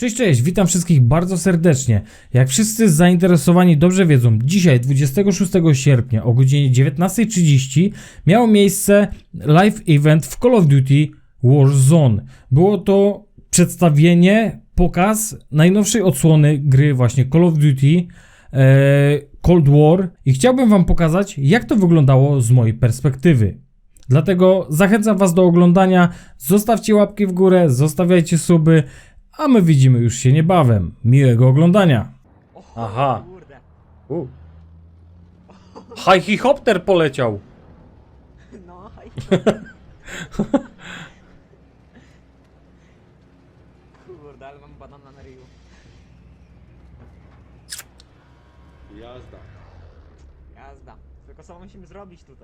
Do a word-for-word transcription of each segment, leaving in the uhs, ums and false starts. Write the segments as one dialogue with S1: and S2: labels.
S1: Cześć, cześć, witam wszystkich bardzo serdecznie. Jak wszyscy zainteresowani dobrze wiedzą, dzisiaj dwudziestego szóstego sierpnia o godzinie dziewiętnastej trzydzieści miało miejsce live event w Call of Duty Warzone. Było to przedstawienie, pokaz najnowszej odsłony gry właśnie Call of Duty e, Cold War i chciałbym wam pokazać, jak to wyglądało z mojej perspektywy. Dlatego zachęcam was do oglądania, zostawcie łapki w górę, zostawiajcie suby, a my widzimy już się niebawem. Miłego oglądania. Aha. U. Helikopter poleciał.
S2: No, haj. Kurde, ale mam banana na ryju.
S3: Jazda.
S2: Jazda. Tylko co musimy zrobić tutaj?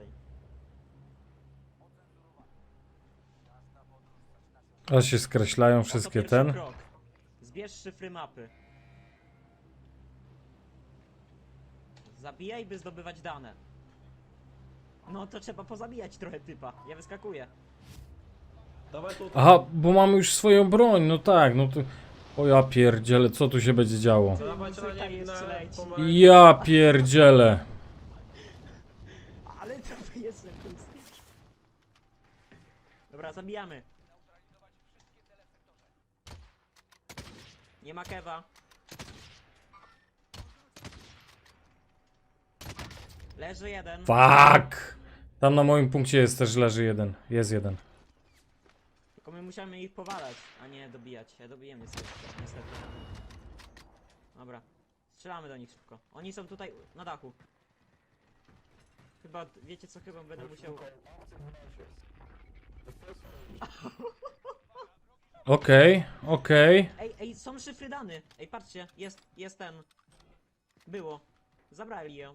S1: A się skreślają
S2: Oto
S1: wszystkie
S2: pierwszy
S1: ten.
S2: krok. Zbierz szyfry mapy. Zabijaj, by zdobywać dane. No to trzeba pozabijać trochę typa. Ja wyskakuję.
S3: Dawaj tu.
S1: Aha, bo mamy już swoją broń, no tak, no to... O ja pierdzielę, co tu się będzie działo?
S3: Dawaj na
S2: Muzyka
S3: nie
S2: jeszcze
S3: na
S2: leci.
S3: pomarańcz.
S1: Ja pierdzielę.
S2: Ale to jest pusty. Dobra, zabijamy. Nie ma kewa. Leży jeden.
S1: Fuck! Tam na moim punkcie jest też leży jeden. Jest jeden.
S2: Tylko my musimy ich powalać, a nie dobijać. Ja dobiję niestety. niestety. Dobra. Strzelamy do nich szybko. Oni są tutaj na dachu. Chyba, wiecie co, chyba będę musiał...
S1: Okej, okej.
S2: Ej, ej, są szyfry dany. Ej, patrzcie, jest, jest ten. Było. Zabrali ją.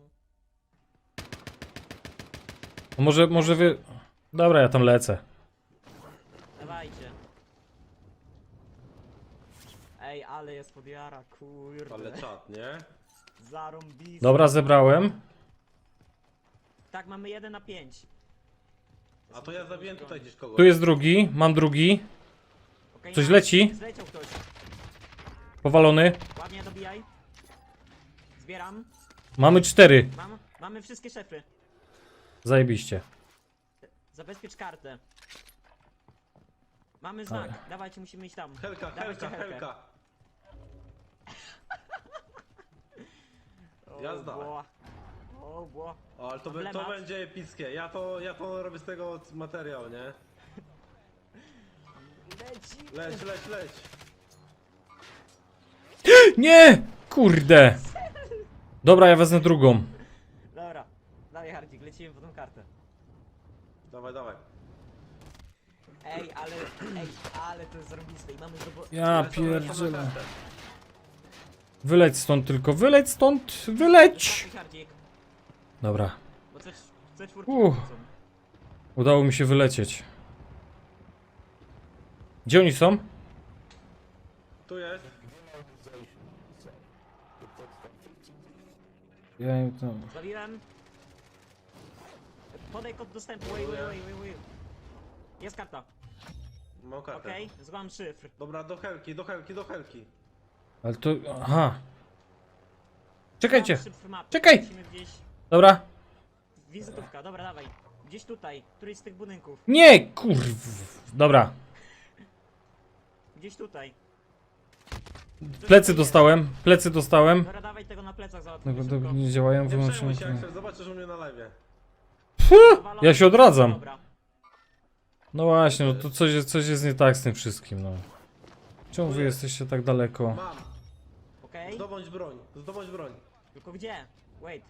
S1: Może, może wy... Dobra, ja tam lecę.
S2: Dawajcie. Ej, ale jest podjara, kurde.
S3: Ale czat, nie?
S2: Zarąbiste.
S1: Dobra, zebrałem.
S2: Tak, mamy jeden na pięć.
S3: A to ja zabiłem tutaj gdzieś kogoś.
S1: Tu jest drugi, mam drugi.
S2: Okay,
S1: Coś leci?
S2: Zleciał ktoś.
S1: Powalony.
S2: Ładnie dobijaj. Zbieram.
S1: Mamy cztery.
S2: Mam, mamy wszystkie szefy.
S1: Zajebiście.
S2: Zabezpiecz kartę. Mamy znak. Dawajcie, musimy iść tam.
S3: Helka,
S2: Dawajcie
S3: helka, helka.
S2: O,
S3: Jazda.
S2: Bło. O, bło.
S3: O, ale to, be, to
S2: Emblemat.
S3: będzie epickie. Ja to, ja to robię z tego materiał, nie?
S2: Leci.
S3: Leć, leć, leć.
S1: Nie! Kurde! Dobra, ja wezmę drugą.
S2: Dobra. Dawaj, Hardzik, lecimy po tą kartę.
S3: Dawaj, dawaj.
S2: Ej, ale, ej, ale to jest zarobiste i mamy zdobo...
S1: Ja
S3: Lecą, lecą na
S1: pierdzielę.
S3: kartę.
S1: Wyleć stąd tylko, wyleć stąd, wyleć!
S2: Ostatni Hardzik,
S1: Dobra,
S2: bo C, C cztery
S1: Uff.
S2: są.
S1: udało mi się wylecieć. Gdzie oni są?
S3: Tu jest.
S1: Ja im tam...
S2: Zabiłem. Podaj kod dostępu, wait, wait, wait, wait, wait. Jest karta,
S3: Mam kartę.
S2: okej, okay. Złam szyfr.
S3: Dobra, do helki, do helki, do helki.
S1: Ale to... aha. Czekajcie,
S2: Złam szyfr mapy.
S1: czekaj.
S2: Musimy gdzieś...
S1: dobra.
S2: Wizytówka, dobra, dawaj. Gdzieś tutaj, któryś z tych budynków.
S1: Nie, kurw. Dobra,
S2: Gdzieś tutaj.
S1: plecy dostałem, plecy dostałem.
S2: Dobra, dawaj tego na plecach
S1: No,
S2: załatwimy
S1: bo
S2: szybko.
S1: to nie działają,
S3: Nie przejmuj
S1: wyłączyłem.
S3: się, Axel, zobaczysz u mnie na live.
S2: Powalony.
S1: Ja się odradzam.
S2: Dobra.
S1: No właśnie, no to coś jest, coś jest nie tak z tym wszystkim, no. Czemu wy jesteście tak daleko?
S3: Mam.
S2: Okej,
S3: Zdobądź broń, zdobądź broń.
S2: tylko gdzie? Wait.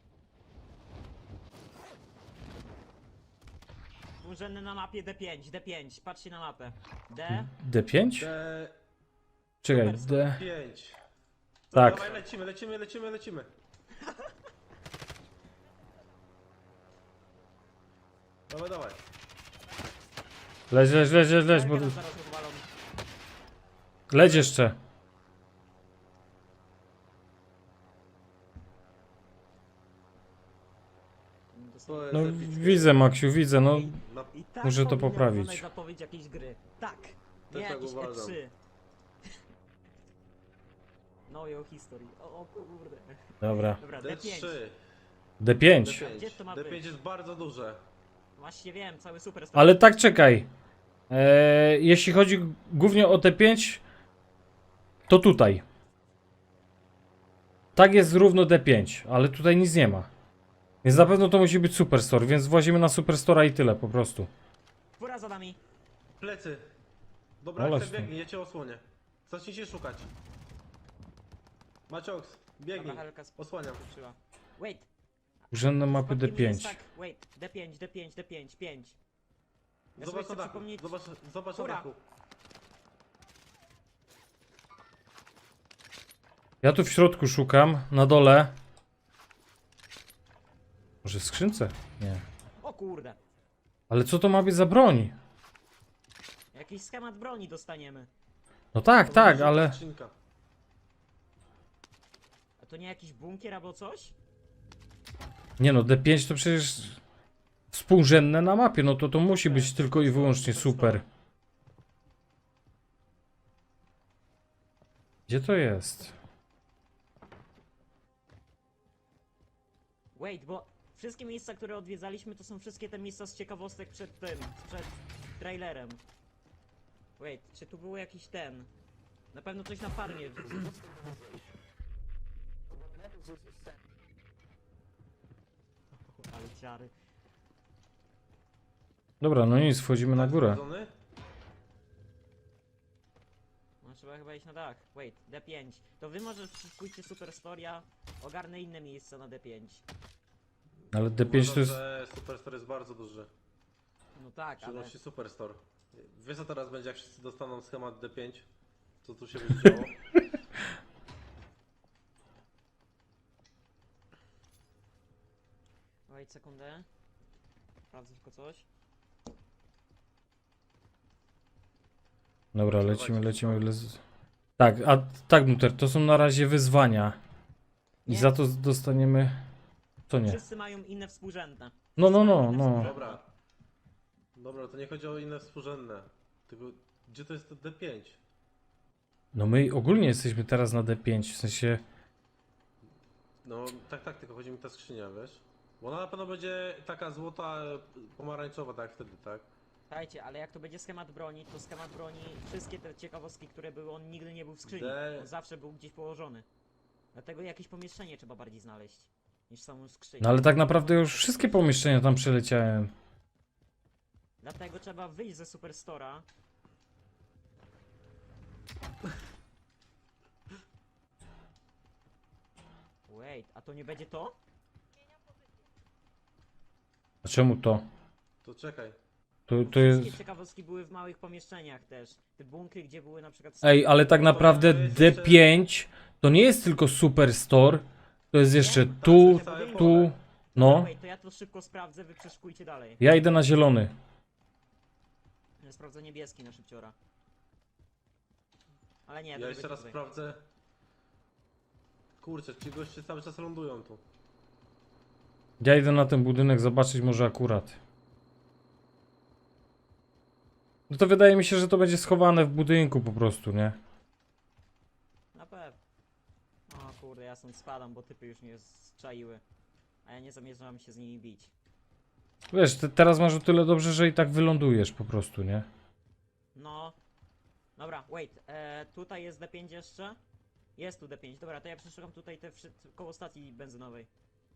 S2: Urzędny na mapie D pięć, D pięć, patrzcie na mapę. D,
S1: D pięć?
S3: D
S1: Czekaj, D...
S3: pięć.
S1: Tak.
S3: Dawaj, lecimy, lecimy, lecimy, lecimy. Dawaj, dawaj.
S1: Leć, leć, leć, leć, leć, bo...
S2: Helkę nas zaraz rozwalą.
S1: Leć jeszcze.
S3: To jest
S1: No
S3: epickie.
S1: widzę, Maksiu, widzę, no.
S3: Na...
S2: I tak
S1: Muszę to
S2: powinna
S1: poprawić.
S2: wyglądać zapowiedź jakiejś gry. Tak.
S3: Też
S2: Nie
S3: tak
S2: jakiś
S3: uważam.
S2: E trzy. Know your history. O, o kurde.
S1: Dobra.
S2: Dobra,
S3: D
S2: D pięć.
S3: trzy.
S1: D pięć.
S3: D pięć.
S2: Gdzie to ma
S3: D
S2: być?
S3: pięć jest bardzo duże.
S2: Właśnie wiem, cały super
S1: Ale tak czekaj. Eee, jeśli chodzi głównie o D pięć, to tutaj. Tak jest równo D pięć, ale tutaj nic nie ma. Więc na pewno to musi być Superstore, więc włazimy na Superstora i tyle po prostu.
S2: Fura za nami.
S3: Plecy. Dobra,
S1: Olać
S3: chcę
S1: to.
S3: biegnij, ja cię osłonię. Zacznijcie szukać. Macioks, biegnij.
S2: Dobra, Helka
S3: Osłaniam.
S2: skoczyła. Wait.
S1: Urzędne mapy D
S2: Przypadkiem jest
S1: pięć.
S2: Tak, wait. D pięć, D pięć, D pięć, pięć. Ja sobie
S3: Zobacz na
S2: chcę
S3: dachu.
S2: przypomnieć...
S3: Zobacz, zobacz na
S2: Fura.
S3: dachu.
S1: Ja tu w środku szukam, na dole. Może w skrzynce? Nie.
S2: O kurde.
S1: Ale co to ma być za broń?
S2: Jakiś schemat broni dostaniemy.
S1: No tak,
S3: To
S1: tak,
S3: będzie
S1: ale...
S3: skrzynka.
S2: A to nie jakiś bunkier albo coś?
S1: Nie no, D pięć to przecież współrzędne na mapie, no to to musi być
S2: Tak,
S1: tylko i wyłącznie super. Gdzie to jest?
S2: Wait, bo wszystkie miejsca, które odwiedzaliśmy, to są wszystkie te miejsca z ciekawostek przed tym, przed trailerem. Wait, czy tu był jakiś ten? Na pewno coś na farmie. Ale ciary.
S1: Dobra, no nic, wchodzimy na
S3: Tak
S1: górę.
S3: sprawdzony?
S2: No trzeba chyba iść na dach. Wait, D pięć. To wy może pójście Superstoria, ogarnę inne miejsca na D pięć.
S1: Ale D pięć to jest...
S3: Uważam, że Superstore jest bardzo duży.
S2: No tak, ale...
S3: Przynosi Superstore. Wiesz co teraz będzie, jak wszyscy dostaną schemat D pięć? Co tu się będzie działo?
S2: Wait, sekundę. Sprawdzę tylko coś.
S1: Dobra, lecimy, lecimy. lec- Tak, a tak, Nuter, to są na razie wyzwania. I
S2: Nie.
S1: za to dostaniemy... To nie.
S2: Wszyscy mają inne współrzędne.
S1: No, no, no,
S2: Inne
S1: no.
S2: współrzędne.
S3: Dobra. Dobra, to nie chodzi o inne współrzędne. Tylko, gdzie to jest to D pięć?
S1: No my ogólnie jesteśmy teraz na D pięć, w sensie...
S3: No tak, tak, tylko chodzi mi ta skrzynia, wiesz? Bo ona na pewno będzie taka złota, e, pomarańczowa, tak jak wtedy, tak?
S2: Słuchajcie, ale jak to będzie schemat broni, to schemat broni, wszystkie te ciekawostki, które były, on nigdy nie był w skrzyni.
S3: De-
S2: On zawsze był gdzieś położony. Dlatego jakieś pomieszczenie trzeba bardziej znaleźć, niż samą skrzynię.
S1: No ale tak naprawdę już wszystkie pomieszczenia tam przeleciałem.
S2: Dlatego trzeba wyjść ze Superstora. Wait, a to nie będzie to?
S1: A czemu to?
S3: To czekaj.
S1: To,
S2: Bo
S1: to jest...
S2: Wszystkie ciekawostki były w małych pomieszczeniach też. Te bunkry, gdzie były na przykład...
S1: Ej, ale tak naprawdę D pięć to nie jest tylko Superstore. To jest jeszcze tu, tu... No.
S2: Wait, to ja to szybko sprawdzę, wy przeszukujcie dalej.
S1: Ja idę na zielony.
S2: Ja sprawdzę niebieski na szybciora. Ale nie, to
S3: Ja
S2: nie
S3: jeszcze
S2: będzie
S3: raz
S2: tutaj.
S3: sprawdzę. Kurczę, ci goście cały czas lądują tu.
S1: Ja idę na ten budynek zobaczyć może akurat. No to wydaje mi się, że to będzie schowane w budynku po prostu, nie?
S2: Na pewno. O kurde, ja stąd spadam, bo typy już mnie zczaiły. A ja nie zamierzam się z nimi bić.
S1: Wiesz, te, teraz masz o tyle dobrze, że i tak wylądujesz po prostu, nie?
S2: No. Dobra, wait. E, tutaj jest D pięć jeszcze? Jest tu D pięć. Dobra, to ja przeszukam tutaj te wszy- koło stacji benzynowej.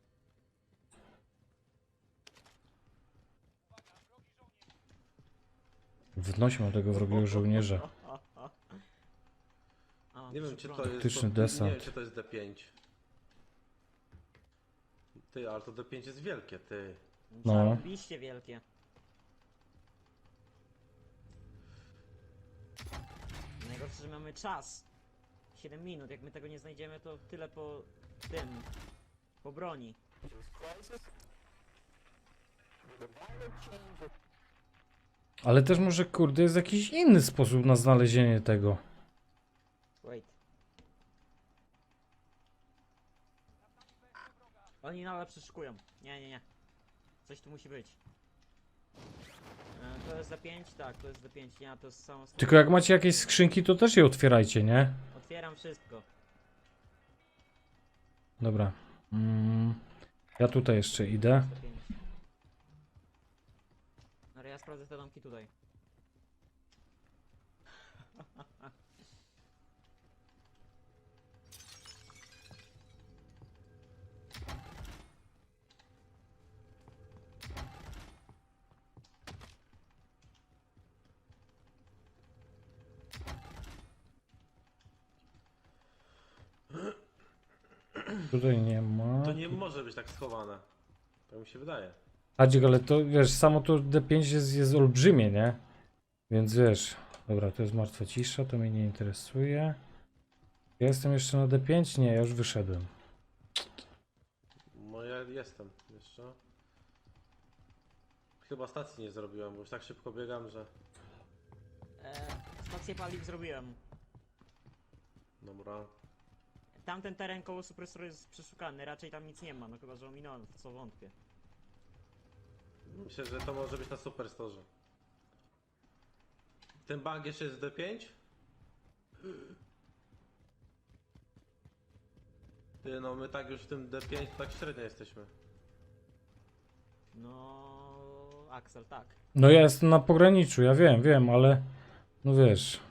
S1: Wnośmy tego wrogiego żołnierza.
S2: A,
S3: Nie wiem, czy to
S2: broń.
S3: jest.
S1: Taktyczny
S3: to,
S1: desant.
S3: Nie wiem, czy to jest D pięć. Ty, ale to D pięć jest wielkie, ty.
S1: No.
S2: Zarobiście wielkie. Najgorsze, że mamy czas. siedem minut. Jak my tego nie znajdziemy, to tyle po tym. Po broni.
S1: Ale też może, kurde, jest jakiś inny sposób na znalezienie tego.
S2: Wait. Oni nadal przeszukują. Nie, nie, nie. Coś tu musi być. E, to jest D pięć? Tak, to jest D pięć. Nie, to jest samo.
S1: Tylko jak macie jakieś skrzynki, to też je otwierajcie, nie?
S2: Otwieram wszystko.
S1: Dobra. Mm, ja tutaj jeszcze idę.
S2: sto pięć. Ale ja sprawdzę te domki tutaj.
S1: Tutaj nie ma.
S3: To nie może być tak schowane. Tak mi się wydaje.
S1: Adzik, ale to wiesz, samo to D pięć jest, jest olbrzymie, nie? Więc wiesz. Dobra, to jest martwa cisza, to mnie nie interesuje. Ja jestem jeszcze na D pięć? Nie, ja już wyszedłem.
S3: No ja jestem jeszcze. Chyba stacji nie zrobiłem, bo już tak szybko biegam, że...
S2: E, stację paliw zrobiłem.
S3: Dobra.
S2: Tamten teren koło Superstore jest przeszukany, raczej tam nic nie ma, no chyba, że ominąłem, w co wątpię.
S3: Myślę, że to może być na Superstore. Ten bank jeszcze jest w D pięć? Ty, no my tak już w tym D pięć tak średnio jesteśmy.
S2: No, Axel, tak.
S1: No ja jestem na pograniczu, ja wiem, wiem, ale no wiesz.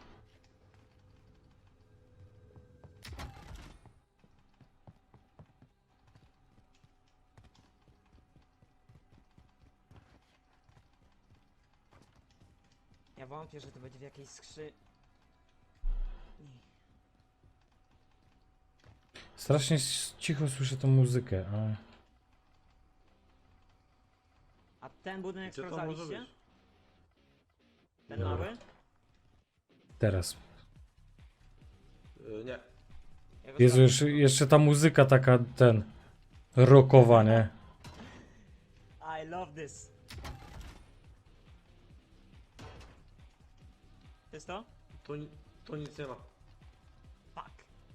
S2: Ja wątpię, że to będzie w jakiejś skrzy...
S1: Strasznie s- cicho słyszę tą muzykę, ale
S2: A ten budynek
S3: Gdzie to może
S2: sprawdzaliście?
S3: być?
S2: Ten
S1: Dobra.
S2: mały?
S1: teraz.
S3: Yy, nie.
S2: Ja go
S1: Jezu,
S2: sprawdzę.
S1: jeszcze, jeszcze ta muzyka taka, ten, rockowa, nie?
S2: I love this. To jest to?
S3: Tu, ni- tu nic nie ma.
S2: Fuck.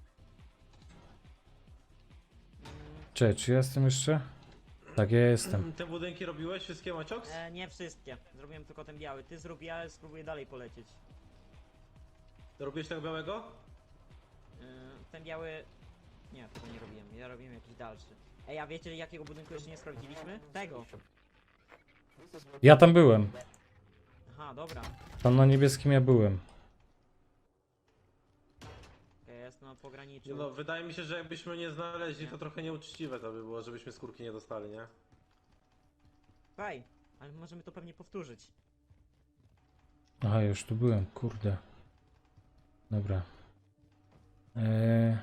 S2: Mm,
S1: Cześć, czy ja jestem jeszcze? Tak, ja jestem.
S3: Te budynki robiłeś? Wszystkie Macioks?
S2: e, nie wszystkie. Zrobiłem tylko ten biały. Ty zrób, ja spróbuję dalej polecieć.
S3: Robiłeś tego białego?
S2: E, ten biały... Nie, tego nie robiłem. Ja robiłem jakiś dalszy. Ej, a wiecie jakiego budynku jeszcze nie sprawdziliśmy? Tego.
S1: Ja tam byłem.
S2: Aha, dobra.
S1: Tam na niebieskim ja byłem.
S2: Okay, ja jestem na pograniczu.
S3: Nie no, wydaje mi się, że jakbyśmy nie znaleźli, to trochę nieuczciwe to by było, żebyśmy skórki nie dostali, nie?
S2: Faj, ale możemy to pewnie powtórzyć.
S1: Aha, już tu byłem, kurde. Dobra. Eee,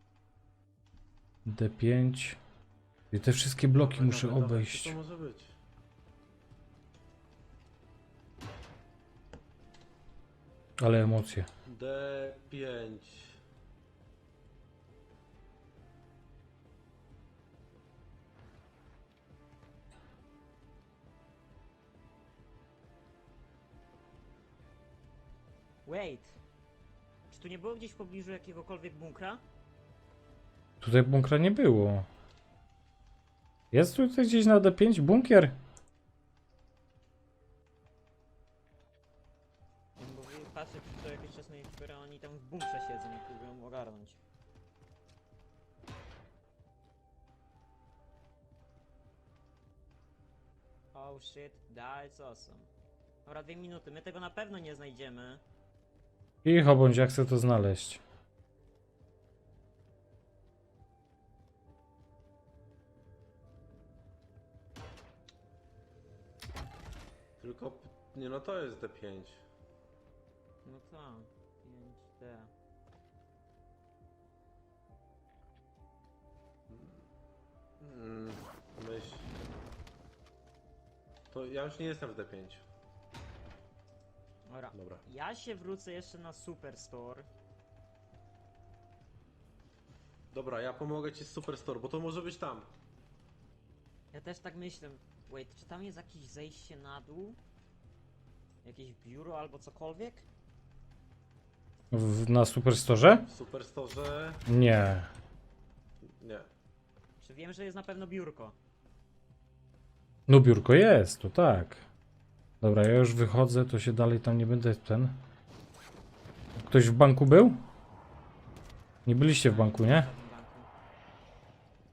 S1: D pięć. I te wszystkie bloki
S3: Dawaj,
S1: muszę
S3: dawaj, dawaj,
S1: obejść.
S3: Co to może być?
S1: Ale emocje.
S3: D pięć.
S2: Wait. Czy tu nie było gdzieś w pobliżu jakiegokolwiek bunkra?
S1: Tutaj bunkra nie było. Jest tutaj gdzieś na D pięć bunkier?
S2: Nie, bo patrzę co jakiś czas na niektóre, oni tam w bunkrze siedzą i próbują ogarnąć. Oh shit, that's awesome. Dobra, dwie minuty, my tego na pewno nie znajdziemy.
S1: Cicho bądź, ja chcę to znaleźć.
S3: Tylko, nie no to jest D pięć.
S2: No co? pięć D.
S3: Mm, myśl. To ja już nie jestem w D pięć.
S2: Dobra.
S3: Dobra.
S2: Ja się wrócę jeszcze na Superstore.
S3: Dobra, ja pomogę ci z Superstore, bo to może być tam.
S2: Ja też tak myślę. Wait, czy tam jest jakieś zejście na dół? Jakieś biuro albo cokolwiek?
S1: W, na Superstore?
S3: W Superstore...
S1: Nie.
S3: Nie.
S2: Czy wiem, że jest na pewno biurko?
S1: No biurko jest, to tak. Dobra, ja już wychodzę, to się dalej tam nie będę ten. Ktoś w banku był? Nie byliście w banku, nie?
S2: W żadnym banku.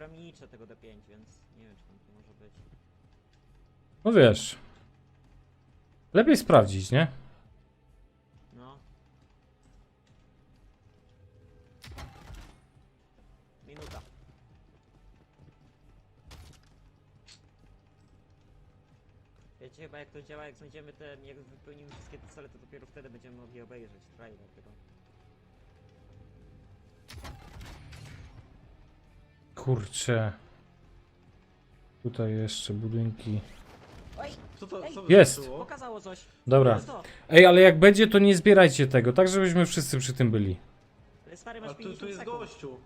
S2: granicze tego D pięć, więc nie wiem, czy tam to może być.
S1: No wiesz. Lepiej sprawdzić, nie?
S2: No. Minuta. Wiecie chyba jak to działa, jak znajdziemy te, jak wypełnimy wszystkie te cele, to dopiero wtedy będziemy mogli obejrzeć trailer tego.
S1: Kurczę. Tutaj jeszcze budynki.
S2: Oj!
S3: Co to,
S2: Ej,
S3: co
S1: Jest.
S3: wyskoczyło?
S2: Pokazało coś!
S1: Dobra.
S2: Jest to!
S1: Ej, ale jak będzie, to nie zbierajcie tego, tak żebyśmy wszyscy przy tym byli.
S2: Ale stary,
S3: A
S2: masz
S3: tu, tu
S2: pięćdziesiąt
S3: jest
S2: sekund.
S3: gościu.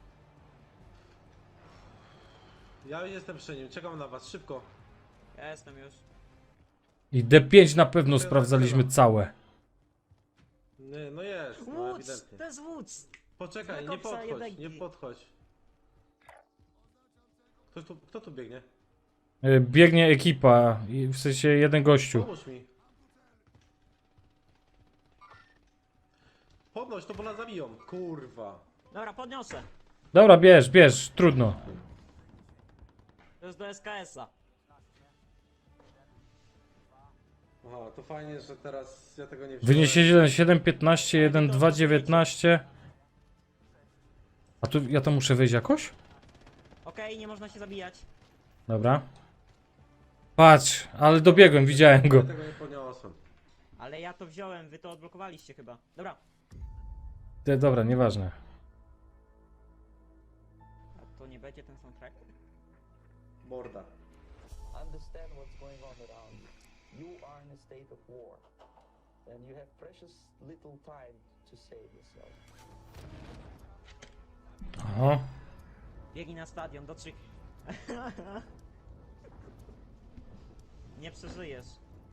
S3: Ja jestem przy nim, czekam na was, szybko.
S2: Ja jestem już.
S1: I D pięć na pewno
S3: Tyle,
S1: sprawdzaliśmy
S3: tyle.
S1: całe.
S3: Nie, no jest, no
S2: Woods!
S3: ewidentnie.
S2: To jest Woods!
S3: Poczekaj, nie
S2: Znak obsa
S3: podchodź,
S2: jedynki.
S3: nie podchodź. Kto tu, kto tu biegnie?
S1: Y, Biegnie ekipa, i w sensie jeden gościu.
S3: Pomóż mi. Podnoś to, bo nas zabiją. Kurwa.
S2: Dobra, podniosę.
S1: Dobra, bierz, bierz, trudno.
S2: To jest do S K S-a.
S3: Aha, to fajnie, że teraz ja tego nie wziąłem.
S1: Wyniesie jeden siedem piętnaście, jeden dwa dziewiętnaście. A tu ja to muszę wyjść jakoś?
S2: Okej, nie można się zabijać.
S1: Dobra. Patrz, ale dobiegłem, widziałem
S3: Ja
S1: go.
S3: tego nie podniosłem.
S2: Ale ja to wziąłem, wy to odblokowaliście chyba. Dobra.
S1: Te, dobra, nieważne.
S2: A to nie będzie ten soundtrack?
S3: Morda.
S4: Understand what's going on around you. You are in a state of war, and you have precious little time to save yourself.
S1: Aha.
S2: Biegnij na stadion, do trzech. Nie przeżyjesz.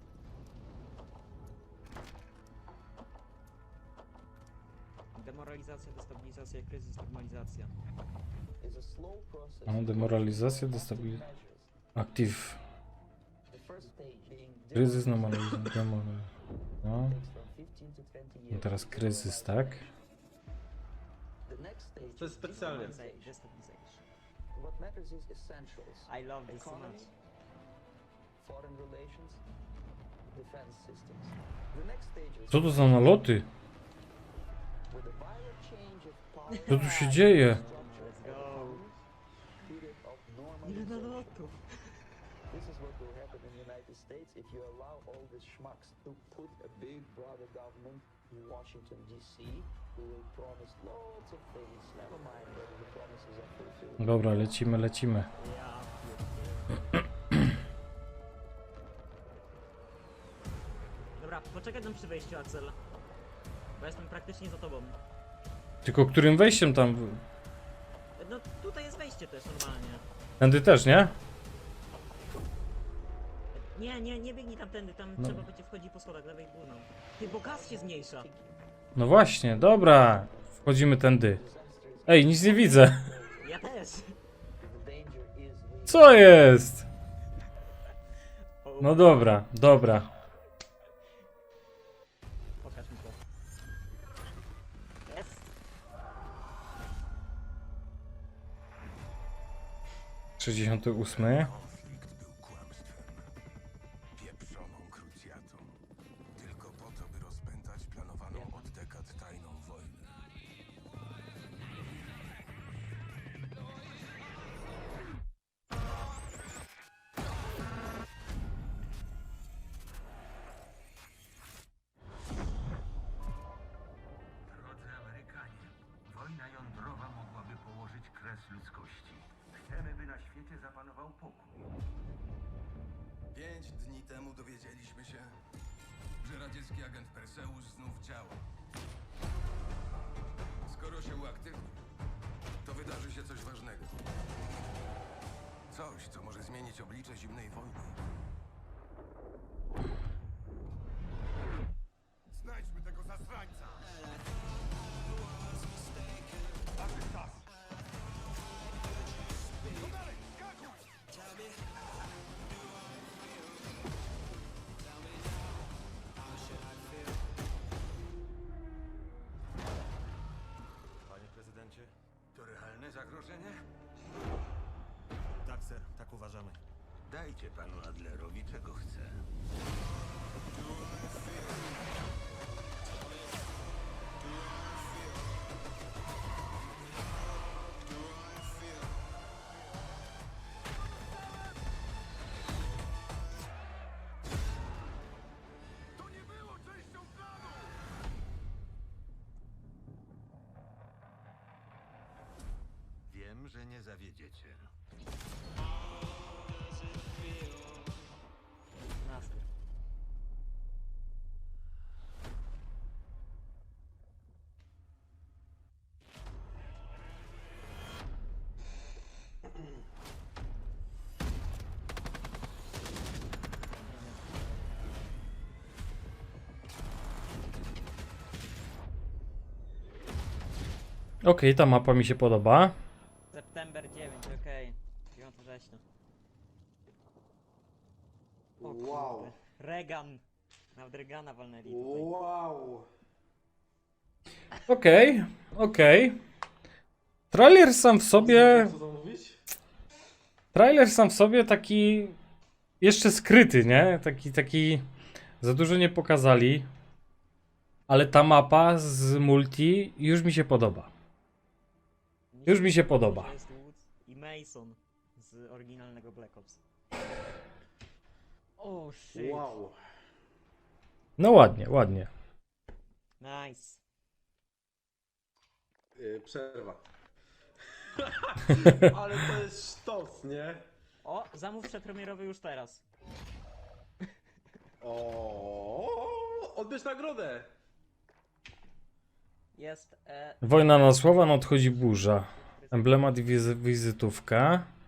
S2: Demoralizacja, destabilizacja, kryzys, normalizacja.
S4: It's a slow process.
S1: No, demoralizacja,
S4: Active
S1: destabilizacja.
S4: measures.
S1: Active.
S4: The first stage being
S1: Kryzys,
S4: demoralization
S1: normalizacja, demo. No.
S4: takes from fifteen to twenty
S1: I
S4: years.
S1: teraz kryzys, tak?
S4: The next stage
S3: To jest specjalnie.
S2: Destabiliza- Destabilization.
S4: what matters is essentials.
S2: I love this so
S4: Economy,
S2: much.
S4: foreign relations, defense systems. The next stage is
S1: Co to za naloty?
S4: with a violent change of power.
S1: Co tu się dzieje?
S4: structure
S2: Let's go.
S4: period of
S2: Ile
S4: normalization.
S2: nalotów?
S4: This is what will happen in the United States if you allow all these schmucks to put a big brother government in Washington D C who will promise lots of things. Never mind whether the promises are fulfilled.
S1: Dobra, lecimy, lecimy.
S2: Ja pierdzielę. Dobra, poczekaj tam przy wejściu, Axel. Bo jestem praktycznie za tobą.
S1: Tylko którym wejściem tam?
S2: No tutaj jest wejście też normalnie.
S1: Tędy też, nie?
S2: Nie, nie, nie biegnij tamtędy, tam
S1: No.
S2: trzeba będzie wchodzić po schodach lewej górną. Ty, bo gaz się zmniejsza.
S1: No właśnie, dobra. Wchodzimy tędy. Ej, nic nie widzę.
S2: Ja też.
S4: The danger is with
S1: Co jest?
S2: O,
S1: No dobra, dobra.
S2: Pokaż mi to. Jest.
S1: sześćdziesiąty ósmy.
S5: Konflikt był kłamstwem, pieprzoną krucjatą, tylko po to, by rozpętać planowaną od dekad tajną wojnę.
S6: Drodzy Amerykanie, wojna jądrowa mogłaby położyć kres ludzkości. Chcemy, by na świecie zapanował pokój.
S5: Pięć dni temu dowiedzieliśmy się, że radziecki agent Perseus znów działa. Skoro się uaktywni, to wydarzy się coś ważnego. Coś, co może zmienić oblicze zimnej wojny. Znajdźmy tego zasrańca!
S6: Panie prezydencie, to realne zagrożenie?
S7: sir. Tak uważamy.
S5: Dajcie panu Adlerowi czego chce. Wiem, że nie zawiedziecie.
S2: Nasty.
S1: Okej, ta mapa mi się podoba.
S2: September dziewiąty, okej. dziewiątego września. O
S3: Wow.
S2: kurde. Regan. Nawet Regana walnęli tutaj.
S3: Wow.
S1: Okej, okej. Trailer sam w sobie...
S3: Co to mówić?
S1: Trailer sam w sobie taki... Jeszcze skryty, nie? Taki, taki... Za dużo nie pokazali. Ale ta mapa z multi już mi się podoba. Już mi się podoba.
S2: To jest Woods i Mason z oryginalnego Black Ops. O shit.
S3: Wow.
S1: No ładnie, ładnie.
S2: Nice.
S3: Yy, przerwa. Ale to jest sztos, nie?
S2: O, zamów przedpremierowy już teraz.
S3: O, odbierz nagrodę.
S2: Jest e,
S1: Wojna na słowa, no odchodzi burza. Emblemat i wizy- wizytówka.